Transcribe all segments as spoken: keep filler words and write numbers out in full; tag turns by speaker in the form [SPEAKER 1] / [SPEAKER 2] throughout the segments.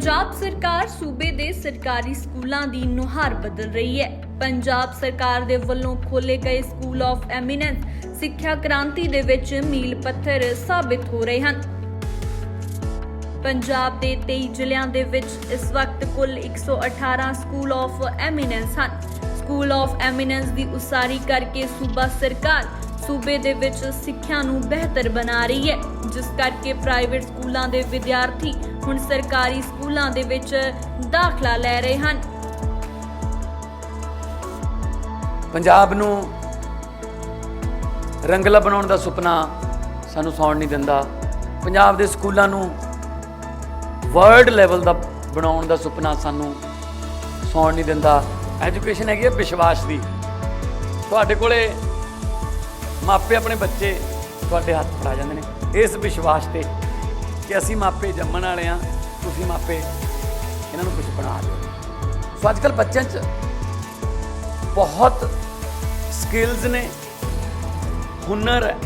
[SPEAKER 1] ਪੰਜਾਬ ਸਰਕਾਰ ਸੂਬੇ ਦੇ ਸਰਕਾਰੀ ਸਕੂਲਾਂ ਦੀ ਨੁਹਾਰ ਬਦਲ ਰਹੀ ਹੈ। ਪੰਜਾਬ ਸਰਕਾਰ ਦੇ ਵੱਲੋਂ ਖੋਲੇ ਗਏ ਸਕੂਲ ਆਫ ਐਮੀਨੈਂਸ ਸਿੱਖਿਆ ਕ੍ਰਾਂਤੀ ਦੇ ਵਿੱਚ ਮੀਲ ਪੱਥਰ ਸਾਬਿਤ ਹੋ ਰਹੇ ਹਨ। ਪੰਜਾਬ ਦੇ ਤੇਈ ਜ਼ਿਲ੍ਹਿਆਂ ਦੇ ਵਿੱਚ ਇਸ ਵਕਤ ਕੁੱਲ ਇੱਕ ਸੌ ਅਠਾਰਾਂ ਸਕੂਲ ਆਫ ਐਮੀਨੈਂਸ ਹਨ। ਸਕੂਲ ਆਫ ਐਮੀਨੈਂਸ ਦੀ ਉਸਾਰੀ ਕਰਕੇ ਸੂਬਾ ਸਰਕਾਰ ਸੂਬੇ ਦੇ ਵਿੱਚ ਸਿੱਖਿਆ ਨੂੰ ਬਿਹਤਰ ਬਣਾ ਰਹੀ ਹੈ, ਜਿਸ ਕਰਕੇ ਪ੍ਰਾਈਵੇਟ ਸਕੂਲਾਂ ਦੇ ਵਿਦਿਆਰਥੀ ਹੁਣ ਸਰਕਾਰੀ ਸਕੂਲਾਂ ਦੇ ਵਿੱਚ ਦਾਖਲਾ ਲੈ ਰਹੇ ਹਨ।
[SPEAKER 2] ਪੰਜਾਬ ਨੂੰ ਰੰਗਲਾ ਬਣਾਉਣ ਦਾ ਸੁਪਨਾ ਸਾਨੂੰ ਸੌਣ ਨਹੀਂ ਦਿੰਦਾ। ਪੰਜਾਬ ਦੇ ਸਕੂਲਾਂ ਨੂੰ ਵਰਲਡ ਲੈਵਲ ਦਾ ਬਣਾਉਣ ਦਾ ਸੁਪਨਾ ਸਾਨੂੰ ਸੌਣ ਨਹੀਂ ਦਿੰਦਾ। ਐਜੂਕੇਸ਼ਨ ਹੈਗੀ ਹੈ ਵਿਸ਼ਵਾਸ ਦੀ। ਤੁਹਾਡੇ ਕੋਲੇ ਮਾਪੇ ਆਪਣੇ ਬੱਚੇ ਤੁਹਾਡੇ ਹੱਥ ਫੜਾ ਜਾਂਦੇ ਨੇ ਇਸ ਵਿਸ਼ਵਾਸ ਤੇ ਕਿ ਅਸੀਂ ਮਾਪੇ ਜੰਮਣ ਵਾਲੇ ਹਾਂ, ਤੁਸੀਂ ਮਾਪੇ ਇਹਨਾਂ ਨੂੰ ਕੁਝ ਬਣਾ ਦਿਓ। ਸੋ ਅੱਜ ਕੱਲ੍ਹ ਬੱਚਿਆਂ 'ਚ ਬਹੁਤ ਸਕਿੱਲਸ ਨੇ, ਹੁਨਰ ਹੈ।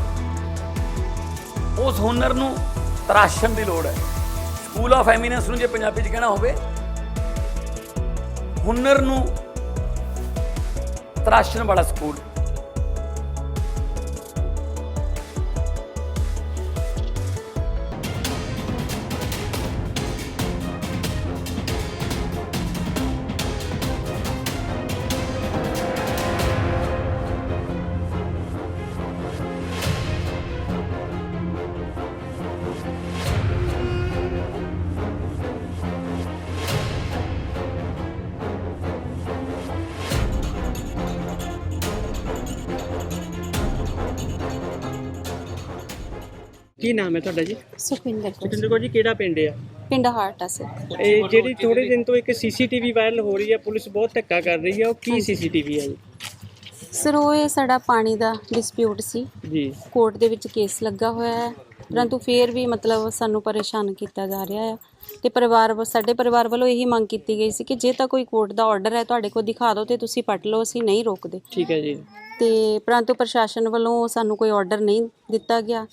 [SPEAKER 2] ਉਸ ਹੁਨਰ ਨੂੰ ਤਰਾਸ਼ਣ ਦੀ ਲੋੜ ਹੈ। ਸਕੂਲ ਆਫ ਐਮੀਨੈਂਸ ਨੂੰ ਜੇ ਪੰਜਾਬੀ 'ਚ ਕਹਿਣਾ ਹੋਵੇ, ਹੁਨਰ ਨੂੰ ਤਰਾਸ਼ਣ ਵਾਲਾ ਸਕੂਲ।
[SPEAKER 3] ਕੀ ਨਾਮ ਹੈ ਤੁਹਾਡਾ ਜੀ?
[SPEAKER 4] ਸੁਖਵਿੰਦਰ ਕੌਰ।
[SPEAKER 3] ਸੁਖਿੰਦਰ ਕੌਰ ਜੀ, ਕਿਹੜਾ ਪਿੰਡ ਆ?
[SPEAKER 4] ਪਿੰਡ ਹਾਰਟ ਆ ਸਰ।
[SPEAKER 3] ਇਹ ਜਿਹੜੀ ਥੋੜੇ ਦਿਨ ਤੋਂ ਇੱਕ ਸੀਸੀਟੀਵੀ ਵਾਇਰਲ ਹੋ ਰਹੀ ਹੈ, ਪੁਲਿਸ ਬਹੁਤ ਧੱਕਾ ਕਰ ਰਹੀ ਹੈ, ਉਹ ਕੀ ਸੀਸੀਟੀਵੀ ਹੈ ਜੀ?
[SPEAKER 4] ਸਰ ਉਹ ਇਹ ਸਾਡਾ ਪਾਣੀ ਦਾ ਡਿਸਪਿਊਟ ਸੀ
[SPEAKER 3] ਜੀ।
[SPEAKER 4] ਕੋਰਟ ਦੇ ਵਿੱਚ ਕੇਸ ਲੱਗਾ ਹੋਇਆ ਹੈ, ਪਰੰਤੂ ਫਿਰ ਵੀ ਮਤਲਬ ਸਾਨੂੰ ਪਰੇਸ਼ਾਨ ਕੀਤਾ ਜਾ ਰਿਹਾ ਹੈ ਤੇ ਪਰਿਵਾਰ ਵ- ਸਾਡੇ ਪਰਿਵਾਰ ਵੱਲੋਂ ਇਹੀ ਮੰਗ ਕੀਤੀ ਗਈ ਸੀ ਕਿ ਜੇ ਤਾਂ ਕੋਈ ਕੋਰਟ ਦਾ ਆਰਡਰ ਹੈ ਤੁਹਾਡੇ ਕੋਲ ਦਿਖਾ ਦਿਓ ਤੇ ਤੁਸੀਂ ਪੱਟ ਲਓ, ਅਸੀਂ ਨਹੀਂ ਰੋਕਦੇ।
[SPEAKER 3] ਠੀਕ ਹੈ ਜੀ।
[SPEAKER 4] ਤੇ ਪਰੰਤੂ ਪ੍ਰਸ਼ਾਸਨ ਵੱਲੋਂ ਸਾਨੂੰ ਕੋਈ ਆਰਡਰ ਨਹੀਂ ਦਿੱਤਾ ਗਿਆ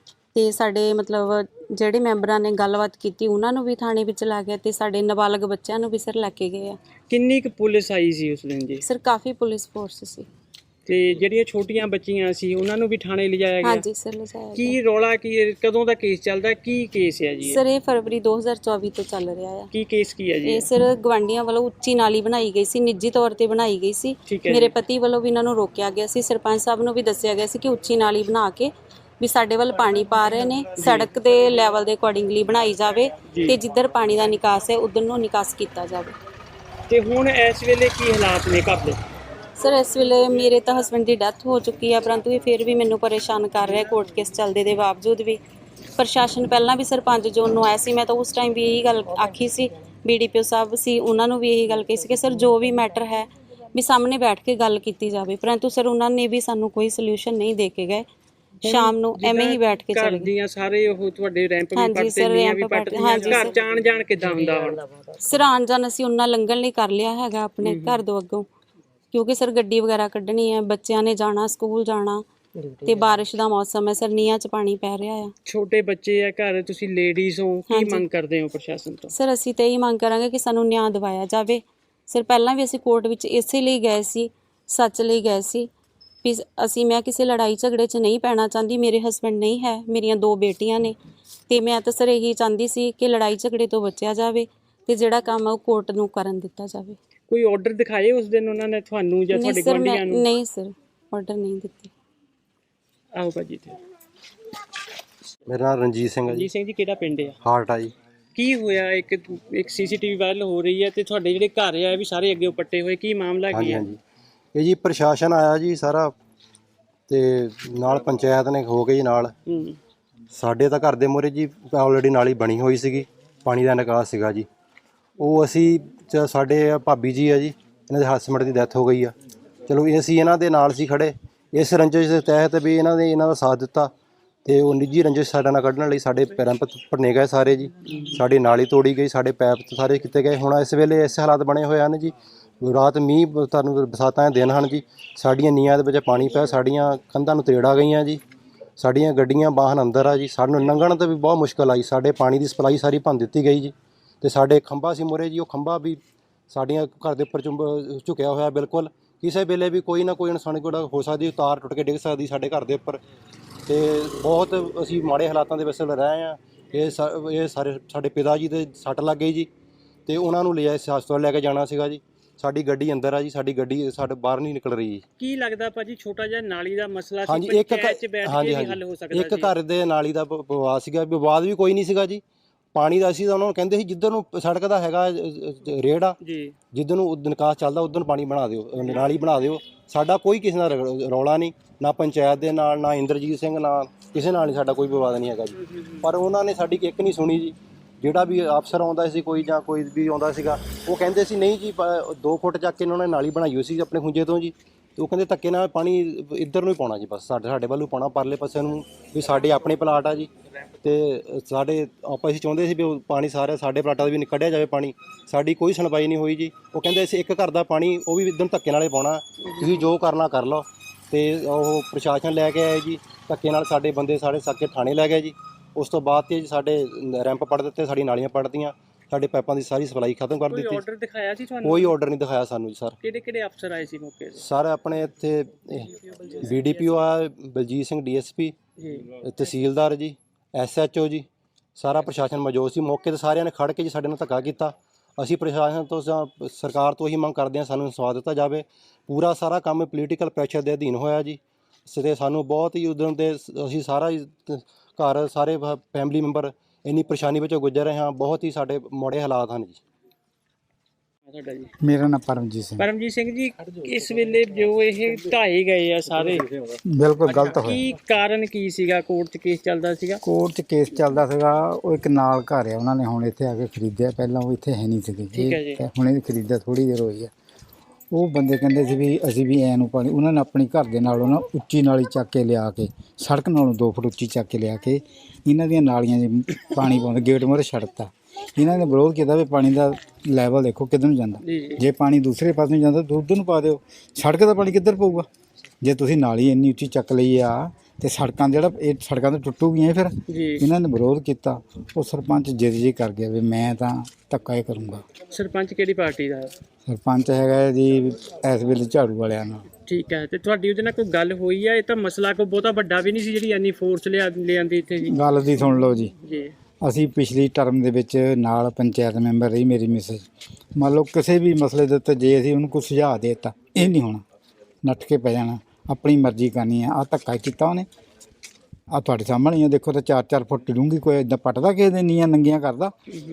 [SPEAKER 4] ਤੇ ਸਾਡੇ ਮਤਲਬ ਜਿਹੜੇ ਮੈਂਬਰਾਂ ਨੇ ਗੱਲਬਾਤ ਕੀਤੀ ਉਹਨਾਂ ਨੂੰ ਵੀ ਥਾਣੇ ਵਿੱਚ ਲਾ ਗਿਆ ਤੇ ਸਾਡੇ ਨਾਬਾਲਗ ਬੱਚਿਆਂ ਨੂੰ ਵੀ ਸਰ ਲੈ ਕੇ ਗਏ ਆ।
[SPEAKER 3] ਕਿੰਨੀ ਕੁ ਪੁਲਿਸ ਆਈ ਸੀ ਉਸ ਦਿਨ ਜੀ?
[SPEAKER 4] ਸਰ ਕਾਫੀ ਪੁਲਿਸ ਫੋਰਸ ਸੀ।
[SPEAKER 3] ਤੇ ਜਿਹੜੀਆਂ ਛੋਟੀਆਂ ਬੱਚੀਆਂ ਸੀ ਉਹਨਾਂ ਨੂੰ ਵੀ ਥਾਣੇ ਲਿਜਾਇਆ ਗਿਆ?
[SPEAKER 4] ਹਾਂਜੀ ਸਰ ਲਿਜਾਇਆ
[SPEAKER 3] ਕੀ
[SPEAKER 4] ਗਿਆ।
[SPEAKER 3] ਰੌਲਾ ਕੀ ਹੈ? ਕਦੋਂ ਦਾ ਕੇਸ ਚੱਲਦਾ? ਕੀ ਕੇਸ ਹੈ ਜੀ ਇਹ?
[SPEAKER 4] ਸਰ ਇਹ ਫਰਵਰੀ ਦੋ ਹਜ਼ਾਰ ਚੌਵੀ ਤੋਂ ਚੱਲ ਰਿਹਾ ਆ।
[SPEAKER 3] ਕੀ ਕੇਸ ਕੀ ਹੈ ਜੀ?
[SPEAKER 4] ਇਹ ਸਰ ਗਵਾਂਢੀਆਂ ਵੱਲੋਂ ਉੱਚੀ ਨਾਲੀ ਬਣਾਈ ਗਈ ਸੀ, ਨਿੱਜੀ ਤੌਰ ਤੇ ਬਣਾਈ ਗਈ ਸੀ।
[SPEAKER 3] ਠੀਕ ਹੈ
[SPEAKER 4] ਮੇਰੇ
[SPEAKER 3] ਜੀ।
[SPEAKER 4] ਪਤੀ ਵੱਲੋਂ ਵੀ ਇਹਨਾਂ ਨੂੰ ਰੋਕਿਆ ਗਿਆ ਸੀ, ਸਰਪੰਚ ਸਾਹਿਬ ਨੂੰ ਵੀ ਦੱਸਿਆ ਗਿਆ ਸੀ ਕਿ ਉੱਚੀ ਨਾਲੀ ਬਣਾ ਕੇ ਵੀ ਸਾਡੇ ਵੱਲ ਪਾਣੀ ਪਾ ਰਹੇ ਨੇ, ਸੜਕ ਦੇ ਲੈਵਲ ਦੇ ਅਕੋਰਡਿੰਗਲੀ ਬਣਾਈ ਜਾਵੇ ਤੇ ਜਿੱਧਰ ਪਾਣੀ ਦਾ ਨਿਕਾਸ ਹੈ ਉਧਰ ਨੂੰ ਨਿਕਾਸ ਕੀਤਾ ਜਾਵੇ।
[SPEAKER 3] ਤੇ ਹੁਣ ਇਸ ਵੇਲੇ ਕੀ ਹਾਲਾਤ ਨੇ ਘਰ ਦੇ?
[SPEAKER 4] ਸਰ ਇਸ ਵੇਲੇ ਮੇਰੇ ਤਾਂ ਹਸਬੈਂਡ ਦੀ ਡੈਥ ਹੋ ਚੁੱਕੀ ਹੈ, ਪਰੰਤੂ ਇਹ ਫਿਰ ਵੀ ਮੈਨੂੰ ਪਰੇਸ਼ਾਨ ਕਰ ਰਿਹਾ ਕੋਰਟ ਕੇਸ ਚੱਲਦੇ ਦੇ ਬਾਵਜੂਦ ਵੀ। ਪ੍ਰਸ਼ਾਸਨ ਪਹਿਲਾਂ ਵੀ ਸਰਪੰਚ ਜੋਨ ਨੂੰ ਆਇਆ ਸੀ, ਮੈਂ ਤਾਂ ਉਸ ਟਾਈਮ ਵੀ ਇਹੀ ਗੱਲ ਆਖੀ ਸੀ, ਬੀਡੀਪੀਓ ਸਾਹਿਬ ਸੀ ਉਹਨਾਂ ਨੂੰ ਵੀ ਇਹੀ ਗੱਲ ਕਹੀ ਸੀ ਕਿ ਸਰ ਜੋ ਵੀ ਮੈਟਰ ਹੈ ਵੀ ਸਾਹਮਣੇ ਬੈਠ ਕੇ ਗੱਲ ਕੀਤੀ ਜਾਵੇ, ਪਰੰਤੂ ਸਰ ਉਹਨਾਂ ਨੇ ਵੀ ਸਾਨੂੰ ਕੋਈ ਸੋਲੂਸ਼ਨ ਨਹੀਂ ਦੇ ਕੇ ਗਏ। ਸ਼ਾਮ ਨੂੰ ਐਵੇਂ ਹੀ ਬੈਠ ਕੇ ਚਲੇ
[SPEAKER 3] ਘਰ
[SPEAKER 4] ਗਏ।
[SPEAKER 3] ਦੀਆਂ ਸਾਰੇ ਉਹ ਤੁਹਾਡੇ ਰੈਂਪ ਵੀ
[SPEAKER 4] ਹਾਂਜੀ
[SPEAKER 3] ਪੱਟਦੇ,
[SPEAKER 4] ਸਰ,
[SPEAKER 3] ਨੀਆਂ ਵੀ
[SPEAKER 4] ਰੈਂਪ
[SPEAKER 3] ਪੱਟਦੀਆਂ,
[SPEAKER 4] ਹਾਂਜੀ
[SPEAKER 3] ਘਰ
[SPEAKER 4] ਸਰ।
[SPEAKER 3] ਚ ਆਣ ਜਾਣ ਕਿੱਦਾਂ ਹੁੰਦਾ ਹੁਣ?
[SPEAKER 4] ਸਰ ਆਉਣ ਜਾਣ ਅਸੀਂ ਉਹਨਾਂ ਲੰਘਣ ਲਈ ਕਰ ਲਿਆ ਹੈਗਾ ਆਪਣੇ ਘਰ ਤੋਂ ਅੱਗੋਂ, ਕਿਉਂਕਿ ਸਰ ਗੱਡੀ ਵਗੈਰਾ ਕੱਢਣੀ ਹੈ, ਬੱਚਿਆਂ ਨੇ ਜਾਣਾ ਸਕੂਲ ਜਾਣਾ ਤੇ ਬਾਰਿਸ਼ ਦਾ ਮੌਸਮ ਹੈ ਸਰ, ਨੀਹਾਂ 'ਚ ਪਾਣੀ ਪੈ ਰਿਹਾ ਆ।
[SPEAKER 3] ਛੋਟੇ ਬੱਚੇ ਆ ਘਰ, ਤੁਸੀਂ ਲੇਡੀਜ਼ ਹੋ, ਕੀ
[SPEAKER 4] ਹਾਂਜੀ।
[SPEAKER 3] ਮੰਗ ਕਰਦੇ ਹੋ ਪ੍ਰਸ਼ਾਸਨ ਤੋਂ?
[SPEAKER 4] ਸਰ ਅਸੀਂ ਤਾਂ ਇਹੀ ਮੰਗ ਕਰਾਂਗੇ ਕਿ ਸਾਨੂੰ ਨਿਆਂ ਦਿਵਾਇਆ ਜਾਵੇ। ਸਰ ਪਹਿਲਾਂ ਵੀ ਅਸੀਂ ਕੋਰਟ ਵਿੱਚ ਇਸੇ ਲਈ ਗਏ ਸੀ, ਸੱਚ ਲਈ ਗਏ ਸੀ ਵੀ ਅਸੀਂ ਮੈਂ ਕਿਸੇ ਲੜਾਈ ਝਗੜੇ 'ਚ ਨਹੀਂ ਪੈਣਾ ਚਾਹੁੰਦੀ। ਮੇਰੇ ਹਸਬੈਂਡ ਨਹੀਂ ਹੈ, ਮੇਰੀਆਂ ਦੋ ਬੇਟੀਆਂ ਨੇ ਤੇ ਮੈਂ ਤਾਂ ਸਰ ਇਹੀ ਚਾਹੁੰਦੀ ਸੀ ਕਿ ਲੜਾਈ ਝਗੜੇ ਤੋਂ ਬਚਿਆ ਜਾਵੇ ਤੇ ਜਿਹੜਾ ਕੰਮ ਆ ਉਹ ਕੋਰਟ ਨੂੰ ਕਰਨ ਦਿੱਤਾ ਜਾਵੇ।
[SPEAKER 3] ਕੋਈ ਆਰਡਰ ਦਿਖਾਏ ਉਸ ਦਿਨ ਉਹਨਾਂ ਨੇ ਤੁਹਾਨੂੰ ਜਾਂ
[SPEAKER 4] ਨਹੀਂ
[SPEAKER 3] ਤੁਹਾਡੇ
[SPEAKER 4] ਸਰ ਮੈਂ
[SPEAKER 3] ਗੁਆਂਢੀਆਂ ਨੂੰ?
[SPEAKER 4] ਨਹੀਂ ਸਰ ਆਰਡਰ ਨਹੀਂ ਦਿੱਤੇ।
[SPEAKER 3] ਆਓ ਭਾਜੀ ਤੇ।
[SPEAKER 5] ਮੇਰਾ ਨਾਮ ਰਣਜੀਤ ਸਿੰਘ ਹੈ ਜੀ।
[SPEAKER 3] ਜੀ ਸਿੰਘ ਜੀ, ਕਿਹੜਾ ਪਿੰਡ ਆ?
[SPEAKER 5] ਹਾਰਟ ਆ ਜੀ।
[SPEAKER 3] ਕੀ ਹੋਇਆ? ਇੱਕ ਇੱਕ ਸੀਸੀਟੀਵੀ ਵਾਇਰਲ ਹੋ ਰਹੀ ਹੈ ਤੇ ਤੁਹਾਡੇ ਜਿਹੜੇ ਘਰ ਆ ਇਹ ਵੀ ਸਾਰੇ ਅੱਗੇ ਪੱਟੇ ਹੋਏ, ਕੀ ਮਾਮਲਾ ਕੀ
[SPEAKER 5] ਹਾਂਜੀ
[SPEAKER 3] ਹੈ?
[SPEAKER 5] ਹਾਂਜੀ ਇਹ ਜੀ ਪ੍ਰਸ਼ਾਸਨ ਆਇਆ ਜੀ ਸਾਰਾ ਤੇ ਨਾਲ ਪੰਚਾਇਤ ਨੇ ਹੋ ਕੇ ਜੀ ਨਾਲ।
[SPEAKER 3] ਹੂੰ।
[SPEAKER 5] ਸਾਡੇ ਤਾਂ ਘਰ ਦੇ ਮੂਹਰੇ ਜੀ ਆਲਰੇਡੀ ਨਾਲੀ ਬਣੀ ਹੋਈ ਸੀਗੀ, ਪਾਣੀ ਦਾ ਨਿਕਾਸ ਸੀਗਾ ਜੀ। ਉਹ ਅਸੀਂ ਚ- ਸਾਡੇ ਭਾਬੀ ਜੀ ਆ ਜੀ, ਇਹਨਾਂ ਦੇ ਹਸਬੈਂਡ ਦੀ ਡੈਥ ਹੋ ਗਈ ਆ। ਚਲੋ ਇਹ ਅਸੀਂ ਇਹਨਾਂ ਦੇ ਨਾਲ ਸੀ ਖੜੇ, ਇਸ ਰੰਜਿਸ਼ ਦੇ ਤਹਿਤ ਵੀ ਇਹਨਾਂ ਦੇ ਇਹਨਾਂ ਦਾ ਸਾਥ ਦਿੱਤਾ ਤੇ ਉਹ ਨਿੱਜੀ ਰੰਜਿਸ਼ ਸਾਡਾ ਨਾਲ ਕੱਢਣ ਲਈ ਸਾਡੇ ਪੈਰਾਂ ਭੰਨੇ ਗਏ ਸਾਰੇ ਜੀ। ਸਾਡੀ ਨਾਲੀ ਤੋੜੀ ਗਈ, ਸਾਡੇ ਪੈਪ ਸਾਰੇ ਕੀਤੇ ਗਏ। ਹੁਣ ਇਸ ਵੇਲੇ ਐਸੇ ਹਾਲਾਤ ਬਣੇ ਹੋਏ ਹਨ ਜੀ, ਰਾਤ ਮੀਂਹ ਤੁਹਾਨੂੰ ਬਰਸਾਤਾਂ ਦੇ ਦਿਨ ਹਨ ਜੀ, ਸਾਡੀਆਂ ਨੀਆਂ ਦੇ ਵਿੱਚ ਪਾਣੀ ਪਿਆ, ਸਾਡੀਆਂ ਕੰਧਾਂ ਨੂੰ ਤੇੜ ਆ ਗਈਆਂ ਜੀ, ਸਾਡੀਆਂ ਗੱਡੀਆਂ ਵਾਹਨ ਅੰਦਰ ਆ ਜੀ। ਸਾਨੂੰ ਲੰਘਣ ਤੇ ਵੀ ਬਹੁਤ ਮੁਸ਼ਕਲ ਆਈ, ਸਾਡੇ ਪਾਣੀ ਦੀ ਸਪਲਾਈ ਸਾਰੀ ਭੰਨ ਦਿੱਤੀ ਗਈ ਜੀ। ਤੇ ਸਾਡੇ ਖੰਭਾ ਸੀ ਮੂਹਰੇ ਜੀ, ਉਹ ਖੰਭਾ ਵੀ ਸਾਡੀਆਂ ਘਰ ਦੇ ਉੱਪਰ ਚੁੰਬ ਝੁਕਿਆ ਹੋਇਆ ਬਿਲਕੁਲ। ਕਿਸੇ ਵੇਲੇ ਵੀ ਕੋਈ ਨਾ ਕੋਈ ਇਨਸਾਨੀ ਕੋਲ ਹੋ ਸਕਦੀ, ਤਾਰ ਟੁੱਟ ਕੇ ਡਿੱਗ ਸਕਦੀ ਸਾਡੇ ਘਰ ਦੇ ਉੱਪਰ। ਤੇ ਬਹੁਤ ਅਸੀਂ ਮਾੜੇ ਹਾਲਾਤਾਂ ਦੇ ਵਿੱਚ ਰਹੇ ਹਾਂ। ਇਹ ਸਾ ਇਹ ਸਾਰੇ ਸਾਡੇ ਪਿਤਾ ਜੀ ਦੇ ਸੱਟ ਲੱਗ ਗਈ ਜੀ, ਤੇ ਉਹਨਾਂ ਨੂੰ ਲਿਆ ਹਸਪਤਾਲ ਲੈ ਕੇ ਜਾਣਾ ਸੀਗਾ ਜੀ। ਸਾਡੀ ਗੱਡੀ ਅੰਦਰ ਆ ਜੀ, ਸਾਡੀ ਗੱਡੀ ਸਾਡੇ ਬਾਹਰ ਨਹੀਂ ਨਿਕਲ ਰਹੀ ਜੀ।
[SPEAKER 3] ਕੀ ਲੱਗਦਾ ਭਾਜੀ ਛੋਟਾ ਜਿਹਾ ਨਾਲੀ ਦਾ ਮਸਲਾ ਸੀ,
[SPEAKER 5] ਹਾਂਜੀ ਇੱਕ
[SPEAKER 3] ਪੰਚਾਇਤ 'ਚ ਬੈਠ
[SPEAKER 5] ਹਾਂਜੀ
[SPEAKER 3] ਕੇ ਵੀ ਹੱਲ ਹੋ
[SPEAKER 5] ਹਾਂਜੀ
[SPEAKER 3] ਸਕਦਾ
[SPEAKER 5] ਇੱਕ
[SPEAKER 3] ਸੀ?
[SPEAKER 5] ਘਰ ਦੇ ਨਾਲੀ ਦਾ ਪ- ਵਿਵਾਦ ਸੀਗਾ, ਵਿਵਾਦ ਵੀ ਕੋਈ ਨਹੀਂ ਸੀਗਾ ਜੀ। ਪਾਣੀ ਦਾ ਅਸੀਂ ਤਾਂ ਉਹਨਾਂ ਨੂੰ ਕਹਿੰਦੇ ਸੀ ਜਿੱਧਰ ਨੂੰ ਸੜਕ ਦਾ ਹੈਗਾ ਅ, ਅ, ਰੇੜ ਆ,
[SPEAKER 3] ਜੀ
[SPEAKER 5] ਜਿੱਧਰ ਨੂੰ ਉਦ- ਨਿਕਾਸ ਚੱਲਦਾ ਉਧਰ ਨੂੰ ਪਾਣੀ ਬਣਾ ਦਿਓ, ਅ, ਨਾਲੀ ਬਣਾ ਦਿਓ। ਸਾਡਾ ਕੋਈ ਕਿਸੇ ਨਾਲ ਰਗ- ਰੌਲਾ ਨਹੀਂ, ਨਾ ਪੰਚਾਇਤ ਦੇ ਨਾਲ, ਨਾ ਇੰਦਰਜੀਤ ਸਿੰਘ ਨਾਲ, ਕਿਸੇ ਨਾਲ ਨਹੀਂ ਸਾਡਾ ਕੋਈ ਵਿਵਾਦ ਨਹੀਂ ਹੈਗਾ ਜੀ। ਪਰ ਉਹਨਾਂ ਨੇ ਸਾਡੀ ਇੱਕ ਨਹੀਂ ਸੁਣੀ ਜੀ। ਜਿਹੜਾ ਵੀ ਅਫਸਰ ਆਉਂਦਾ ਸੀ ਕੋਈ ਜਾਂ ਕੋਈ ਵੀ ਆਉਂਦਾ ਸੀਗਾ, ਉਹ ਕਹਿੰਦੇ ਸੀ ਨਹੀਂ ਜੀ ਪ- ਦੋ ਫੁੱਟ ਚੱਕ ਕੇ ਉਹਨਾਂ ਨੇ ਨਾਲੀ ਬਣਾਈ ਹੋਈ ਸੀ ਆਪਣੇ ਖੁੰਝੇ ਤੋਂ ਜੀ। ਤੇ ਉਹ ਕਹਿੰਦੇ ਧੱਕੇ ਨਾਲ ਪਾਣੀ ਇੱਧਰ ਨੂੰ ਹੀ ਪਾਉਣਾ ਜੀ, ਬਸ ਸਾਡੇ ਸਾਡੇ ਵੱਲੋਂ ਪਾਉਣਾ ਪਰਲੇ ਪਾਸੇ ਨੂੰ, ਵੀ ਸਾਡੇ ਆਪਣੇ ਪਲਾਟ ਆ ਜੀ। ਤੇ ਸਾਡੇ ਆਪਾਂ ਅਸੀਂ ਚਾਹੁੰਦੇ ਸੀ ਵੀ ਉਹ ਪਾਣੀ ਸਾਰੇ ਸਾਡੇ ਪਲਾਟਾਂ ਦਾ ਵੀ ਕੱਢਿਆ ਜਾਵੇ ਪਾਣੀ। ਸਾਡੀ ਕੋਈ ਸੁਣਵਾਈ ਨਹੀਂ ਹੋਈ ਜੀ। ਉਹ ਕਹਿੰਦੇ ਅਸੀਂ ਇੱਕ ਘਰ ਦਾ ਪਾਣੀ ਉਹ ਵੀ ਇੱਧਰ ਧੱਕੇ ਨਾਲ ਹੀ ਪਾਉਣਾ, ਤੁਸੀਂ ਜੋ ਕਰਨਾ ਕਰ ਲਓ। ਤੇ ਉਹ ਪ੍ਰਸ਼ਾਸਨ ਲੈ ਕੇ ਆਏ ਜੀ, ਧੱਕੇ ਨਾਲ ਸਾਡੇ ਬੰਦੇ ਸਾਡੇ ਸਾਕੇ ਥਾਣੇ ਲੈ ਗਏ ਜੀ। ਉਸ ਤੋਂ ਬਾਅਦ ਤੇ ਜੀ ਸਾਡੇ ਰੈਂਪ ਪੜ ਦਿੱਤੇ, ਸਾਡੀ ਨਾਲੀਆਂ ਪੜਦੀਆਂ, ਸਾਡੇ ਪਾਈਪਾਂ ਦੀ ਸਾਰੀ ਸਪਲਾਈ ਖਤਮ ਕਰ
[SPEAKER 3] ਕੋਈ
[SPEAKER 5] ਦਿੱਤੀ।
[SPEAKER 3] ਆਰਡਰ ਦਿਖਾਇਆ ਸੀ ਤੁਹਾਨੂੰ?
[SPEAKER 5] ਕੋਈ ਆਰਡਰ ਨਹੀਂ ਦਿਖਾਇਆ ਸਾਨੂੰ ਜੀ ਸਰ।
[SPEAKER 3] ਕਿਹੜੇ ਕਿਹੜੇ ਅਫਸਰ ਆਏ ਸੀ ਮੌਕੇ ਤੇ?
[SPEAKER 5] ਸਰ ਆਪਣੇ ਇੱਥੇ ਬੀ ਡੀ ਪੀ ਓ ਆ, Baljit Singh D S P,
[SPEAKER 3] ਜੀ
[SPEAKER 5] ਤਹਿਸੀਲਦਾਰ ਜੀ, ਐਸ ਐਚ ਓ ਜੀ, ਸਾਰਾ ਪ੍ਰਸ਼ਾਸਨ ਮੌਜੂਦ ਸੀ ਮੌਕੇ ਤੇ। ਸਾਰਿਆਂ ਨੇ ਖੜ ਕੇ ਜੀ ਸਾਡੇ ਨਾਲ ਧੱਕਾ ਕੀਤਾ। ਅਸੀਂ ਪ੍ਰਸ਼ਾਸਨ ਤੋਂ ਜਾਂ ਸਰਕਾਰ ਤੋਂ ਇਹੀ ਮੰਗ ਕਰਦੇ ਹਾਂ ਸਾਨੂੰ ਇਨਸਾਫ ਦਿੱਤਾ ਜਾਵੇ। ਪੂਰਾ ਸਾਰਾ ਕੰਮ ਪੋਲੀਟੀਕਲ ਪ੍ਰੈਸ਼ਰ ਦੇ ਅਧੀਨ ਹੋਇਆ ਜੀ। ਤੇ ਸਾਨੂੰ ਬਹੁਤ ਹੀ ਉਦੋਂ ਦੇ ਅਸੀਂ ਸਾਰਾ ਹੀ ਘਰ ਸਾਰੇ ਫੈਮਿਲੀ ਮੈਂਬਰ ਇੰਨੀ ਪਰੇਸ਼ਾਨੀ ਵਿੱਚੋਂ ਗੁਜ਼ਰ ਰਹੇ ਹਾਂ। ਬਹੁਤ ਹੀ ਸਾਡੇ ਮਾੜੇ ਹਾਲਾਤ ਹਨ ਜੀ।
[SPEAKER 3] ਤੁਹਾਡਾ ਜੀ?
[SPEAKER 6] ਮੇਰਾ ਨਾਮ ਪਰਮਜੀਤ ਸਿੰਘ।
[SPEAKER 3] ਪਰਮਜੀਤ ਸਿੰਘ ਜੀ, ਇਸ ਵੇਲੇ ਜੋ ਇਹ ਢਾਏ ਗਏ ਆ ਸਾਰੇ,
[SPEAKER 6] ਬਿਲਕੁਲ ਗਲਤ ਹੋਇਆ।
[SPEAKER 3] ਕੀ ਕਾਰਨ ਕੀ ਸੀਗਾ? ਕੋਰਟ 'ਚ ਕੇਸ ਚੱਲਦਾ ਸੀਗਾ?
[SPEAKER 6] ਕੋਰਟ 'ਚ ਕੇਸ ਚੱਲਦਾ ਸੀਗਾ। ਉਹ ਇੱਕ ਨਾਲ ਘਰ ਆ, ਉਹਨਾਂ ਨੇ ਹੁਣ ਇੱਥੇ ਆ ਕੇ ਖਰੀਦਿਆ। ਪਹਿਲਾਂ ਉਹ ਇੱਥੇ ਹੈ ਨਹੀਂ ਸੀਗੇ,
[SPEAKER 3] ਠੀਕ ਹੈ ਜੀ।
[SPEAKER 6] ਇਹ ਹੁਣੇ ਖਰੀਦਿਆ, ਥੋੜੀ ਦੇਰ ਹੋਈ ਆ। ਉਹ ਬੰਦੇ ਕਹਿੰਦੇ ਸੀ ਵੀ ਅਸੀਂ ਵੀ ਐ ਨੂੰ ਪਾਣੀ, ਉਹਨਾਂ ਨੇ ਆਪਣੀ ਘਰ ਦੇ ਨਾਲੋਂ ਨਾ ਉੱਚੀ ਨਾਲੀ ਚੱਕ ਕੇ ਲਿਆ ਕੇ, ਸੜਕ ਨਾਲੋਂ ਦੋ ਫੁੱਟ ਉੱਚੀ ਚੱਕ ਕੇ ਲਿਆ ਕੇ ਇਹਨਾਂ ਦੀਆਂ ਨਾਲੀਆਂ 'ਚ ਪਾਣੀ ਪਾਉਂਦੇ, ਗੇਟ ਮੂਹਰੇ ਛੱਡਤਾ। ਇਹਨਾਂ ਨੇ ਵਿਰੋਧ ਕੀਤਾ ਵੀ ਪਾਣੀ ਦਾ ਲੈਵਲ ਦੇਖੋ ਕਿੱਧਰ ਨੂੰ ਜਾਂਦਾ।
[SPEAKER 3] ਜੀ ਜੀ।
[SPEAKER 6] ਜੇ ਪਾਣੀ ਦੂਸਰੇ ਪਾਸੇ ਨੂੰ ਜਾਂਦਾ ਤਾਂ ਉੱਧਰ ਨੂੰ ਪਾ ਦਿਓ। ਸੜਕ ਦਾ ਪਾਣੀ ਕਿੱਧਰ ਪਊਗਾ? ਜੇ ਤੁਸੀਂ ਨਾਲੀ ਇੰਨੀ ਉੱਚੀ ਚੱਕ ਲਈ ਆ ਤੇ ਸੜਕਾਂ ਜਿਹੜਾ ਇਹ ਸੜਕਾਂ ਤਾਂ ਟੁੱਟੂਗੀਆਂ ਫਿਰ।
[SPEAKER 3] ਜੀ
[SPEAKER 6] ਇਹਨਾਂ ਨੇ ਵਿਰੋਧ ਕੀਤਾ। ਉਹ ਸਰਪੰਚ ਜਿੱਦ ਜੀ ਕਰ ਗਿਆ ਵੀ ਮੈਂ ਤਾਂ ਧੱਕਾ ਹੀ ਕਰੂੰਗਾ।
[SPEAKER 3] ਸਰਪੰਚ ਕਿਹੜੀ ਪਾਰਟੀ ਦਾ?
[SPEAKER 6] ਸਰਪੰਚ ਹੈਗਾ ਜੀ ਇਸ ਵੇਲੇ ਝਾੜੂ ਵਾਲਿਆਂ ਨਾਲ।
[SPEAKER 3] ਠੀਕ ਹੈ। ਤੇ ਤੁਹਾਡੀ ਉਹਦੇ ਨਾਲ ਕੋਈ ਗੱਲ ਹੋਈ ਆ? ਇਹ ਤਾਂ ਮਸਲਾ ਕੋਈ ਬਹੁਤਾ ਵੱਡਾ ਵੀ ਨਹੀਂ ਸੀ ਜਿਹੜੀ ਇੰਨੀ ਫੋਰਸ ਲਿਆ ਲਿਆਂਦੀ ਇੱਥੇ ਜੀ।
[SPEAKER 6] ਗੱਲ ਦੀ ਸੁਣ ਲਓ ਜੀ,
[SPEAKER 3] ਜੀ
[SPEAKER 6] ਅਸੀਂ ਪਿਛਲੀ ਟਰਮ ਦੇ ਵਿੱਚ ਨਾਲ ਪੰਚਾਇਤ ਮੈਂਬਰ ਰਹੀ ਮੇਰੀ ਮਿਸੇਜ। ਮੰਨ ਲਓ ਕਿਸੇ ਵੀ ਮਸਲੇ ਦੇ ਉੱਤੇ ਜੇ ਅਸੀਂ ਉਹਨੂੰ ਕੋਈ ਸੁਝਾਅ ਦੇ ਦਿੱਤਾ, ਇਹ ਨਹੀਂ ਹੋਣਾ, ਨੱਠ ਕੇ ਪੈ ਜਾਣਾ, ਆਪਣੀ ਮਰਜ਼ੀ ਕਰਨੀ ਆ। ਆਹ ਧੱਕਾ ਕੀਤਾ ਉਹਨੇ, ਆਹ ਤੁਹਾਡੇ ਸਾਹਮਣੇ ਆ, ਦੇਖੋ ਤਾਂ ਚਾਰ ਚਾਰ ਫੁੱਟ ਡੂੰਘੀ। ਕੋਈ ਇੱਦਾਂ ਪੱਟਦਾ ਕਿਸੇ ਦੇ ਨੀਆਂ ਨੰਗੀਆਂ ਕਰਦਾ?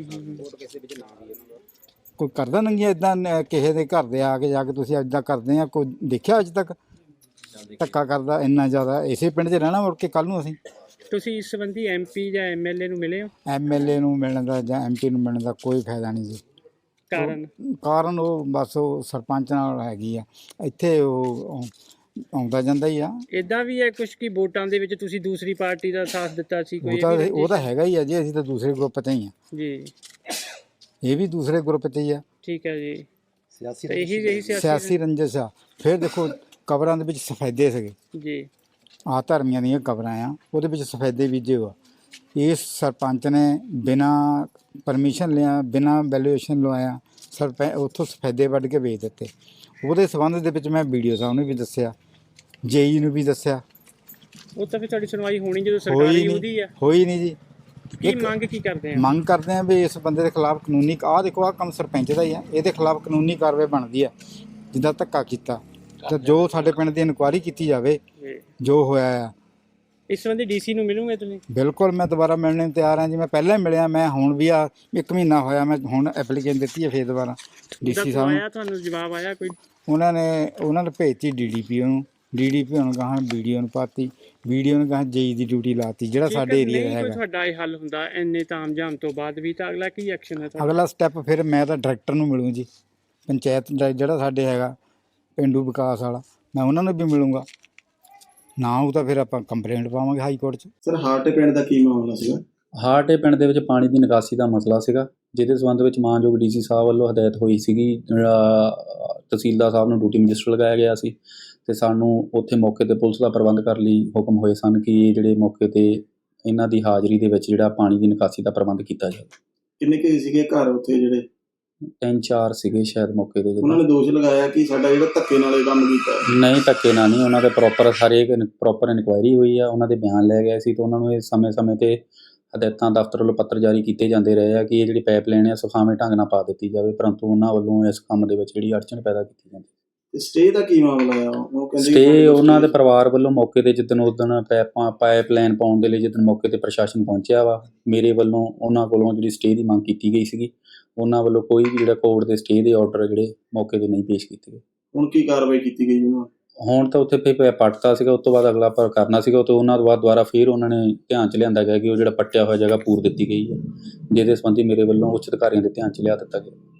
[SPEAKER 6] ਕੋਈ ਕਰਦਾ ਨੰਗੀਆਂ ਇੱਦਾਂ ਕਿਸੇ ਦੇ ਘਰ ਦੇ ਆ ਕੇ ਜਾ ਕੇ ਤੁਸੀਂ ਇੱਦਾਂ ਕਰਦੇ ਆ? ਕੋਈ ਦੇਖਿਆ ਅੱਜ ਤੱਕ ਧੱਕਾ ਕਰਦਾ ਇੰਨਾ ਜ਼ਿਆਦਾ? ਇਸੇ ਪਿੰਡ 'ਚ ਰਹਿਣਾ ਮੁੜ ਕੇ ਕੱਲ੍ਹ ਨੂੰ ਅਸੀਂ।
[SPEAKER 3] ਤੁਸੀਂ ਇਸ ਸੰਬੰਧੀ ਐਮ ਪੀ ਜਾਂ ਐਮ ਐਲ ਏ ਨੂੰ ਮਿਲੇ ਹੋ?
[SPEAKER 6] ਐਮ ਐਲ ਏ ਨੂੰ ਮਿਲਣ ਦਾ ਜਾਂ ਐਮ ਪੀ ਨੂੰ ਮਿਲਣ ਦਾ ਕੋਈ ਫਾਇਦਾ ਨਹੀਂ ਜੀ।
[SPEAKER 3] ਕਾਰਨ?
[SPEAKER 6] ਕਾਰਨ ਉਹ ਬਸ ਉਹ ਸਰਪੰਚ ਨਾਲ ਹੈਗੀ ਆ। ਇੱਥੇ ਉਹ ਆਉਂਦਾ ਜਾਂਦਾ ਹੀ ਆ।
[SPEAKER 3] ਇਦਾਂ ਵੀ ਹੈ ਕੁਝ ਕਿ ਵੋਟਾਂ ਦੇ ਵਿੱਚ ਤੁਸੀਂ ਦੂਸਰੀ ਪਾਰਟੀ ਦਾ ਸਾਥ ਦਿੱਤਾ ਸੀ? ਕੋਈ
[SPEAKER 6] ਉਹ ਤਾਂ ਉਹ ਤਾਂ ਹੈਗਾ ਹੀ ਆ ਜੀ। ਅਸੀਂ ਤਾਂ ਦੂਸਰੇ ਗਰੁੱਪ 'ਤੇ ਹੀ ਆ।
[SPEAKER 3] ਜੀ
[SPEAKER 6] ਇਹ ਵੀ ਦੂਸਰੇ ਗਰੁੱਪ 'ਤੇ ਹੀ ਆ।
[SPEAKER 3] ਠੀਕ ਹੈ ਜੀ।
[SPEAKER 5] ਸਿਆਸੀ
[SPEAKER 3] ਤੇ ਇਹੀ ਇਹੀ
[SPEAKER 6] ਸਿਆਸੀ ਰੰਜਿਸ਼ ਆ। ਫਿਰ ਦੇਖੋ ਕਬਰਾਂ ਦੇ ਵਿੱਚ ਸਫੈਦੇ ਸੀਗੇ,
[SPEAKER 3] ਜੀ
[SPEAKER 6] ਆਹ ਧਰਮੀਆਂ ਦੀਆਂ ਕਬਰਾਂ ਆ, ਉਹਦੇ ਵਿੱਚ ਸਫੈਦੇ ਬੀਜੇ ਹੋਆ। ਇਸ ਸਰਪੰਚ ਨੇ ਬਿਨਾਂ ਪਰਮਿਸ਼ਨ ਲਿਆ, ਬਿਨਾਂ ਵੈਲੂਏਸ਼ਨ ਲਵਾਇਆ ਸਰਪੰਚ ਉੱਥੋਂ ਸਫੈਦੇ ਵੱਢ ਕੇ ਵੇਚ ਦਿੱਤੇ। ਉਹਦੇ ਸੰਬੰਧ ਦੇ ਵਿੱਚ ਮੈਂ ਵੀਡੀਓ ਸਾਹਿਬ ਨੂੰ ਵੀ ਦੱਸਿਆ, ਜੇਈ ਨੂੰ ਵੀ ਦੱਸਿਆ।
[SPEAKER 3] ਉਹ ਤਾਂ ਫਿਰ ਤੁਹਾਡੀ ਸੁਣਵਾਈ ਹੋਣੀ ਜਦੋਂ
[SPEAKER 6] ਹੋਈ
[SPEAKER 3] ਸਰਕਾਰੀ ਉਹਦੀ
[SPEAKER 6] ਨਹੀਂ,
[SPEAKER 3] ਆ।
[SPEAKER 6] ਹੋਈ ਨਹੀਂ ਜੀ।
[SPEAKER 3] ਕੀ ਮੰਗ ਕੀ ਕਰਦੇ ਆ?
[SPEAKER 6] ਮੰਗ ਕਰਦੇ ਆ ਵੀ ਇਸ ਬੰਦੇ ਦੇ ਖਿਲਾਫ ਕਾਨੂੰਨੀ, ਆਹ ਦੇਖੋ ਆਹ ਕੰਮ ਸਰਪੰਚ ਦਾ ਹੀ ਆ, ਇਹਦੇ ਖਿਲਾਫ ਕਾਨੂੰਨੀ ਕਾਰਵਾਈ ਬਣਦੀ ਆ। ਜਿੱਦਾਂ ਧੱਕਾ ਕੀਤਾ ਤਾਂ ਜੋ ਸਾਡੇ ਪਿੰਡ ਦੀ ਇਨਕੁਆਇਰੀ ਕੀਤੀ ਜਾਵੇ
[SPEAKER 3] ਜੀ।
[SPEAKER 6] ਜੋ ਹੋਇਆ ਆ।
[SPEAKER 3] ਇਸ ਸੰਬੰਧੀ ਡੀਸੀ ਨੂੰ ਮਿਲੂਗੇ ਤੁਸੀਂ?
[SPEAKER 6] ਬਿਲਕੁਲ, ਮੈਂ ਦੁਬਾਰਾ ਮਿਲਣ ਨੂੰ ਤਿਆਰ ਹਾਂ ਜੀ। ਮੈਂ ਪਹਿਲਾਂ ਹੀ ਮਿਲਿਆ, ਮੈਂ ਹੁਣ ਵੀ ਆ ਇੱਕ ਮਹੀਨਾ ਹੋਇਆ, ਮੈਂ ਹੁਣ ਐਪਲੀਕੇਸ਼ਨ ਦਿੱਤੀ ਹੈ ਫੇਰ ਦੁਬਾਰਾ ਡੀਸੀ ਸਾਹਿਬ ਨੂੰ।
[SPEAKER 3] ਆਇਆ ਤੁਹਾਨੂੰ ਜਵਾਬ ਆਇਆ ਕੋਈ?
[SPEAKER 6] ਉਹਨਾਂ ਨੇ ਉਹਨਾਂ ਨੇ ਭੇਜਤੀ ਡੀ ਡੀ ਪੀ ਨੂੰ, ਡੀ ਡੀ ਪੀ ਨੂੰ ਕਹਾਂ ਵੀਡੀਓ ਨੂੰ ਪਾਤੀ, ਵੀਡੀਓ ਨੂੰ ਕਹਾਂ ਜੇਈ ਦੀ ਡਿਊਟੀ ਲਾਤੀ ਜਿਹੜਾ ਸਾਡੇ ਏਰੀਆ ਦਾ
[SPEAKER 3] ਨਹੀਂ ਕੋਈ
[SPEAKER 6] ਹੈਗਾ।
[SPEAKER 3] ਤੁਹਾਡਾ ਇਹ ਹੱਲ ਹੁੰਦਾ ਇੰਨੇ ਤਾਮਝਾਮ ਤੋਂ ਬਾਅਦ ਵੀ, ਤਾਂ ਅਗਲਾ ਕੀ ਐਕਸ਼ਨ ਹੈ ਤੁਹਾਡਾ?
[SPEAKER 6] ਅਗਲਾ ਸਟੈਪ ਫਿਰ ਮੈਂ ਤਾਂ ਡਾਇਰੈਕਟਰ ਨੂੰ ਮਿਲੂੰ ਜੀ, ਪੰਚਾਇਤ ਦਾ ਜਿਹੜਾ ਸਾਡੇ ਹੈਗਾ ਪੇਂਡੂ ਵਿਕਾਸ ਵਾਲਾ, ਮੈਂ ਉਹਨਾਂ ਨੂੰ ਵੀ ਮਿਲੂੰਗਾ। ਨਾ ਉਹ ਤਾਂ ਫਿਰ ਆਪਾਂ ਕੰਪਲੇਂਟ ਪਾਵਾਂਗੇ ਹਾਈ ਕੋਰਟ 'ਚ।
[SPEAKER 7] ਸਰ ਹਾਰਟੇ ਪਿੰਡ ਦਾ ਕੀ ਮਾਮਲਾ ਸੀਗਾ?
[SPEAKER 8] ਹਾਰਟੇ ਪਿੰਡ ਦੇ ਵਿੱਚ ਪਾਣੀ ਦੀ ਨਿਕਾਸੀ ਦਾ ਮਸਲਾ ਸੀਗਾ, ਜਿਹਦੇ ਸੰਬੰਧ ਵਿੱਚ ਮਾਨਯੋਗ ਡੀ ਸੀ ਸਾਹਿਬ ਵੱਲੋਂ ਹਦਾਇਤ ਹੋਈ ਸੀਗੀ। ਤਹਿਸੀਲਦਾਰ ਸਾਹਿਬ ਨੂੰ ਡਿਊਟੀ ਮੈਜਿਸਟਰ ਲਗਾਇਆ ਗਿਆ ਸੀ ਅਤੇ ਸਾਨੂੰ ਉੱਥੇ ਮੌਕੇ 'ਤੇ ਪੁਲਿਸ ਦਾ ਪ੍ਰਬੰਧ ਕਰਨ ਲਈ ਹੁਕਮ ਹੋਏ ਸਨ ਕਿ ਇਹ ਜਿਹੜੇ ਮੌਕੇ 'ਤੇ ਇਹਨਾਂ ਦੀ ਹਾਜ਼ਰੀ ਦੇ ਵਿੱਚ ਜਿਹੜਾ ਪਾਣੀ ਦੀ ਨਿਕਾਸੀ ਦਾ ਪ੍ਰਬੰਧ ਕੀਤਾ ਜਾਵੇ।
[SPEAKER 7] ਕਿੰਨੇ ਕੁ ਸੀਗੇ ਘਰ ਉੱਥੇ ਜਿਹੜੇ?
[SPEAKER 8] ਤਿੰਨ ਚਾਰ ਸੀਗੇ ਸ਼ਾਇਦ ਮੌਕੇ ਤੇ
[SPEAKER 7] ਉਹਨਾਂ
[SPEAKER 8] ਜਦੋਂ।
[SPEAKER 7] ਨੇ ਦੋਸ਼ ਲਗਾਇਆ ਕਿ ਸਾਡਾ ਜਿਹੜਾ ਧੱਕੇ ਨਾਲ ਇਹ ਕੰਮ ਕੀਤਾ ਹੈ।
[SPEAKER 8] ਨਹੀਂ ਧੱਕੇ ਨਾਲ ਨਹੀਂ, ਉਹਨਾਂ ਦੇ ਪ੍ਰੋਪਰ ਸਾਰੇ ਪ੍ਰੋਪਰ ਇਨਕੁਆਇਰੀ ਹੋਈ ਆ, ਉਹਨਾਂ ਦੇ ਬਿਆਨ ਲੈ ਗਏ ਸੀ ਤੇ ਉਹਨਾਂ ਨੂੰ ਇਹ ਸਮੇਂ-ਸਮੇਂ ਤੇ ਹਦਾਇਤਾਂ ਦਫ਼ਤਰ ਵੱਲੋਂ ਪੱਤਰ ਜਾਰੀ ਕੀਤੇ ਜਾਂਦੇ ਰਹੇ ਆ ਕਿ ਇਹ ਜਿਹੜੀ ਪਾਈਪਲਾਈਨ ਆ ਸੁਖਾਵੇਂ ਢੰਗ ਨਾਲ ਪਾ ਦਿੱਤੀ ਜਾਵੇ, ਪਰੰਤੂ ਉਹਨਾਂ ਵੱਲੋਂ ਇਸ ਕੰਮ ਦੇ ਵਿੱਚ ਜਿਹੜੀ ਅੜਚਨ ਪੈਦਾ ਕੀਤੀ ਜਾਂਦੀ।
[SPEAKER 7] ਤੇ ਸਟੇ ਦਾ ਕੀ ਮਾਮਲਾ ਆ? ਉਹ ਕਹਿੰਦੇ ਕਿ
[SPEAKER 8] ਸਟੇ
[SPEAKER 7] ਸਾਡੇ ਕੋਲ
[SPEAKER 8] ਉਹਨਾਂ ਦੇ
[SPEAKER 7] stay-
[SPEAKER 8] ਪਰਿਵਾਰ ਵੱਲੋਂ ਮੌਕੇ ਤੇ ਜਿੱਦਣ ਉਦਣ ਪਾਈਪਾਂ ਪਾਈਪਲਾਈਨ ਪਾਉਣ ਦੇ ਲਈ ਜਿੱਦਣ ਮੌਕੇ ਤੇ ਪ੍ਰਸ਼ਾਸਨ ਪਹੁੰਚਿਆ ਵਾ, ਮੇਰੇ ਵੱਲੋਂ ਉਹਨਾਂ ਕੋਲੋਂ ਜਿਹੜੀ ਸਟੇ ਦੀ ਮੰਗ ਕੀਤੀ ਗਈ ਸੀਗੀ, ਉਹਨਾਂ ਵੱਲੋਂ ਕੋਈ ਵੀ ਜਿਹੜਾ ਕੋਰਟ ਦੇ ਸਟੇ ਦੇ ਆਰਡਰ ਜਿਹੜੇ ਮੌਕੇ ਤੇ ਨਹੀਂ ਪੇਸ਼ ਕੀਤੇ ਗਏ।
[SPEAKER 7] ਹੁਣ ਕੀ ਕਾਰਵਾਈ ਕੀਤੀ ਗਈ ਉਹਨਾਂ?
[SPEAKER 8] ਹੁਣ ਤਾਂ ਉੱਥੇ ਫਿਰ ਪੱਟਤਾ ਸੀਗਾ, ਉਸ ਤੋਂ ਬਾਅਦ ਅਗਲਾ ਪਰ ਕਰਨਾ ਸੀਗਾ ਤੇ ਉਹਨਾਂ ਤੋਂ ਬਾਅਦ ਦੁਬਾਰਾ ਫਿਰ ਉਹਨਾਂ ਨੇ ਧਿਆਨ 'ਚ ਲਿਆਂਦਾ ਗਿਆ ਕਿ ਉਹ ਜਿਹੜਾ ਪੱਟਿਆ ਹੋਇਆ ਜਗ੍ਹਾ ਪੂਰ ਦਿੱਤੀ ਗਈ ਹੈ, ਜਿਹਦੇ ਸੰਬੰਧੀ ਮੇਰੇ ਵੱਲੋਂ ਉੱਚ ਅਧਿਕਾਰੀਆਂ ਦੇ ਧਿਆਨ 'ਚ ਲਿਆ ਦਿੱਤਾ ਗਿਆ।